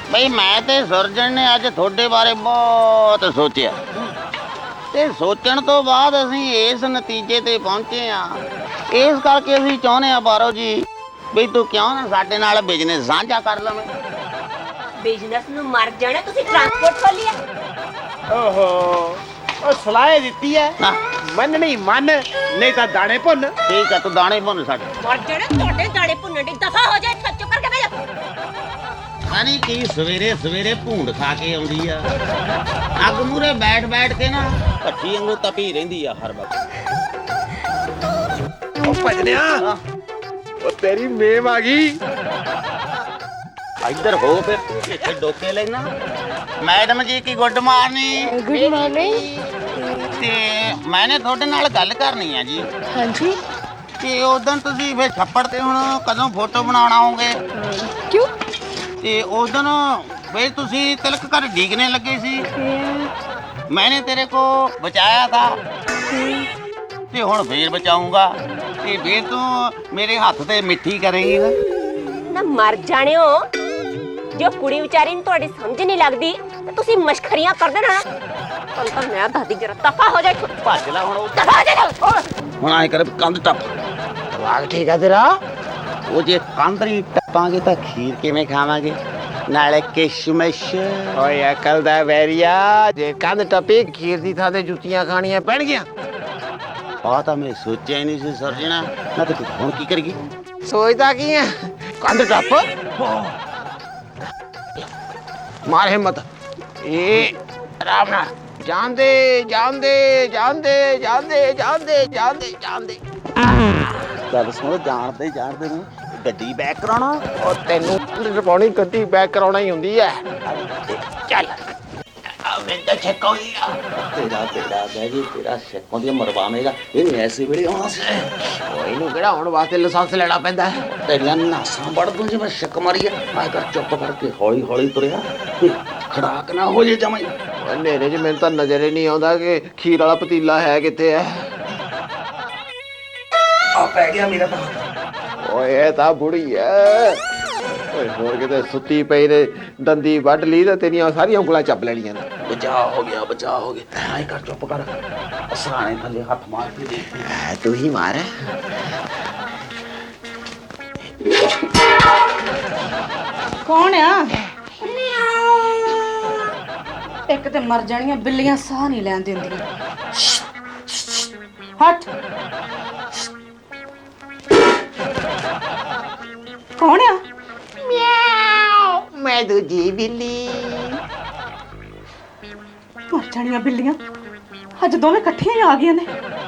ਬਈ ਮੈਂ ਤੇ ਸੁਰਜਣ ਨੇ ਅੱਜ ਤੁਹਾਡੇ ਬਾਰੇ ਬਹੁਤ ਸੋਚਿਆ ਤੇ ਸੋਚਣ ਤੋਂ ਬਾਅਦ ਅਸੀਂ ਇਸ ਨਤੀਜੇ ਤੇ ਪਹੁੰਚੇ ਆ। ਇਸ ਕਰਕੇ ਅਸੀਂ ਚਾਹੁੰਦੇ ਆ ਬਾਰੋ ਜੀ ਬਈ ਤੂੰ ਕਿਉਂ ਨਾ ਸਾਡੇ ਨਾਲ ਬਿਜ਼ਨਸ ਸਾਂਝਾ ਕਰ ਲਵੇਂ। ਬਿਜ਼ਨਸ ਨੂੰ ਮਰ ਜਾਣਾ, ਤੁਸੀਂ ਟਰਾਂਸਪੋਰਟ ਖੋਲਿਆ। ਓਹੋ ਉਹ ਸਲਾਹ ਦਿੱਤੀ ਐ ਨਾ ਮੰਨਣੀ ਮੰਨ, ਨਹੀਂ ਤਾਂ ਦਾਣੇ ਭੁੰਨ। ਠੀਕ ਆ, ਤੂੰ ਦਾਣੇ ਭੁੰਨ ਸਾਡੇ। ਮਰ ਜਾਣਾ, ਤੁਹਾਡੇ ਦਾਣੇ ਭੁੰਨਣ ਦੀ ਦਫਾ ਹੋ ਜਾਏ। ਚੁੱਪ ਕਰਕੇ ਬਹਿ ਜਾ। ਯਾਨੀ ਕੀ ਸਵੇਰੇ ਸਵੇਰੇ ਭੂੰਡ ਖਾ ਕੇ ਆਉਂਦੀ ਆ, ਅੱਗ ਮੂਰੇ ਬੈਠ ਬੈਠ ਕੇ ਨਾ ਭੱਠੀ ਵਾਂਗੂ ਤਪੀ ਰਹਿੰਦੀ ਆ ਹਰ ਵਕਤ। ਉਹ ਭਜਨਿਆ, ਉਹ ਤੇਰੀ ਮੇਮ ਆ ਗਈ। ਇੱਧਰ ਹੋ ਫਿਰ, ਇੱਥੇ ਡੋਕੇ ਲੈਣਾ। ਮੈਡਮ ਜੀ ਕੀ ਗੁੱਡ ਮਾਰਨਿੰਗ। Good morning. ਤੇ ਮੈਨੇ ਤੁਹਾਡੇ ਨਾਲ ਗੱਲ ਕਰਨੀ ਆ ਜੀ। हाँ जी। ਤੇ ਉਦੋਂ ਤੁਸੀਂ ਫਿਰ ਛੱਪੜ ਤੇ ਹੁਣ ਕਦੋਂ ਫੋਟੋ ਬਣਾਉਣ ਆਓਗੇ? क्यों? ਤੇ ਉਦੋਂ ਵੇ ਤੁਸੀਂ ਤਿਲਕ ਘਰ ਡੀਕਨੇ ਲੱਗੇ ਸੀ, ਮੈਨੇ ਤੇਰੇ ਕੋ ਬਚਾਇਆ ਥਾ ਤੇ ਹੁਣ ਫੇਰ ਬਚਾਉਂਗਾ ਤੇ ਫੇਰ ਤੂੰ ਮੇਰੇ ਹੱਥ ਤੇ ਮਿੱਠੀ ਕਰੇਂਗੀ ਨਾ। ਨਾ ਮਰ ਜਾਣਿਓ, ਜੋ ਕੁੜੀ ਵਿਚਾਰੀ ਨੂੰ ਤੁਹਾਡੀ ਸਮਝ ਨਹੀਂ ਲੱਗਦੀ ਤੇ ਤੁਸੀਂ ਮਸ਼ਖਰੀਆਂ ਕਰਦੇ ਨਾ। ਤੁਹਾਨੂੰ ਤਾਂ ਮੈਂ ਦੱਸਦੀ, ਜਰਾ ਦਫਾ ਹੋ ਜਾਏ। ਭੱਜ ਲੈ ਹੁਣ। ਦਫਾ ਹੋ ਜਾ। ਹੁਣ ਆਏ ਕਰ ਕੰਧ ਟੱਪ। ਵਾਹ ਠੀਕ ਆ ਤੇਰਾ। ਉਹ ਜੇ ਕੰਧ ਨਹੀਂ ਟੱਪਾਂਗੇ ਤਾਂ ਖੀਰ ਕਿਵੇਂ ਖਾਵਾਂਗੇ, ਨਾਲੇ ਕਿਸ਼ਮਿਸ਼। ਓਏ ਅਕਲ ਦਾ ਵੈਰੀਆ, ਜੇ ਕੰਧ ਟੱਪੀ ਖੀਰ ਦੀ ਥਾਂ ਤੇ ਜੁੱਤੀਆਂ ਖਾਣੀਆਂ ਪੈਣਗੀਆਂ। ਆ ਤਾਂ ਮੈਂ ਸੋਚਿਆ ਹੀ ਨਹੀਂ ਸੀ ਸਰਜਣਾ। ਨਾ ਤੇ ਹੁਣ ਕੀ ਕਰੀਏ? ਸੋਚਦਾ ਕੀ ਐ? ਕੰਧ ਟੱਪ, ਮਾਰ ਹਿੰਮਤ। ਇਹ ਆਰਾਮ ਨਾਲ ਜਾਂਦੇ ਜਾਂਦੇ ਜਾਂਦੇ ਜਾਂਦੇ ਜਾਂਦੇ ਜਾਂਦੇ ਜਾਂਦੇ। ਗੱਲ ਸੁਣ, ਜਾਣਦੇ ਜਾਣਦੇ ਨੂੰ ਗੱਡੀ ਬੈਕ ਕਰਾਉਣਾ। ਉਹ ਤੈਨੂੰ ਪਾਉਣੀ ਗੱਡੀ ਬੈਕ ਕਰਾਉਣਾ ਹੀ ਹੁੰਦੀ ਐ। ਚੱਲ ਮੈਂ ਤਾਂ ਛੱਕਾ ਹੋਈ ਆ। ਤੇਰਾ ਬਹਿ ਜੀ, ਤੇਰਾ ਛੱਕੋਂ ਦੀ ਮਰਵਾਵੇਂਗਾ। ਇਹ ਐਸੇ ਵੇਲੇ ਆਉਣਾ ਸੀ। ਉਹ ਇਹਨੂੰ ਕਿਹੜਾ ਹੁਣ ਵਾਸਤੇ ਲਾਇਸੈਂਸ ਲੈਣਾ ਪੈਂਦਾ ਹੈ? ਤੇਰੀਆਂ ਨਾਸਾਂ ਵੜ ਦੂੰ ਜੇ ਮੈਂ ਛੱਕ ਮਾਰੀ ਆ। ਕਰ ਚੁੱਪ ਕਰਕੇ ਹੌਲੀ ਹੌਲੀ ਤੁਰਿਆ, ਖੜਾਕ ਨਾ ਹੋ ਜੇ ਜਮਾਈ। ਹਨੇਰੇ 'ਚ ਮੈਨੂੰ ਤਾਂ ਨਜ਼ਰ ਹੀ ਨਹੀਂ ਆਉਂਦਾ ਕਿ ਖੀਰ ਵਾਲਾ ਪਤੀਲਾ ਹੈ ਕਿੱਥੇ ਹੈ। ਆ ਪੈ ਗਿਆ ਮੇਰਾ ਤਾਂ। ਓਏ ਇਹ ਤਾਂ ਬੁੜੀ ਐ। ਓਏ ਹੋਰ ਕਿਤੇ ਸੁੱਤੀ ਪਈ ਨੇ ਦੰਦੀ ਵੱਢ ਲਈ ਤਾਂ ਤੇਰੀਆਂ ਸਾਰੀਆਂ ਉਂਗਲਾਂ ਚੱਪ ਲੈਣੀਆਂ ਨੇ। ਬਚਾ ਹੋ ਗਿਆ, ਬਚਾ ਹੋ ਗਿਆ। ਐਂ ਕਰ ਚੁੱਪ ਕਰ, ਸਰਾਣੇ ਥੱਲੇ ਹੱਥ ਮਾਰ ਕੇ ਦੇਖ। ਤੂੰ ਹੀ ਮਾਰ। कौन आ? एक ते मर जानियां बिल्लियां साह नहीं लैन दिंदियां। हट। कौन आ? ਮੈਂ ਦੂਜੀ ਬਿੱਲੀ। मर जानियां बिल्लियां अज दोवें इकट्ठियां ही आ गईयां ने।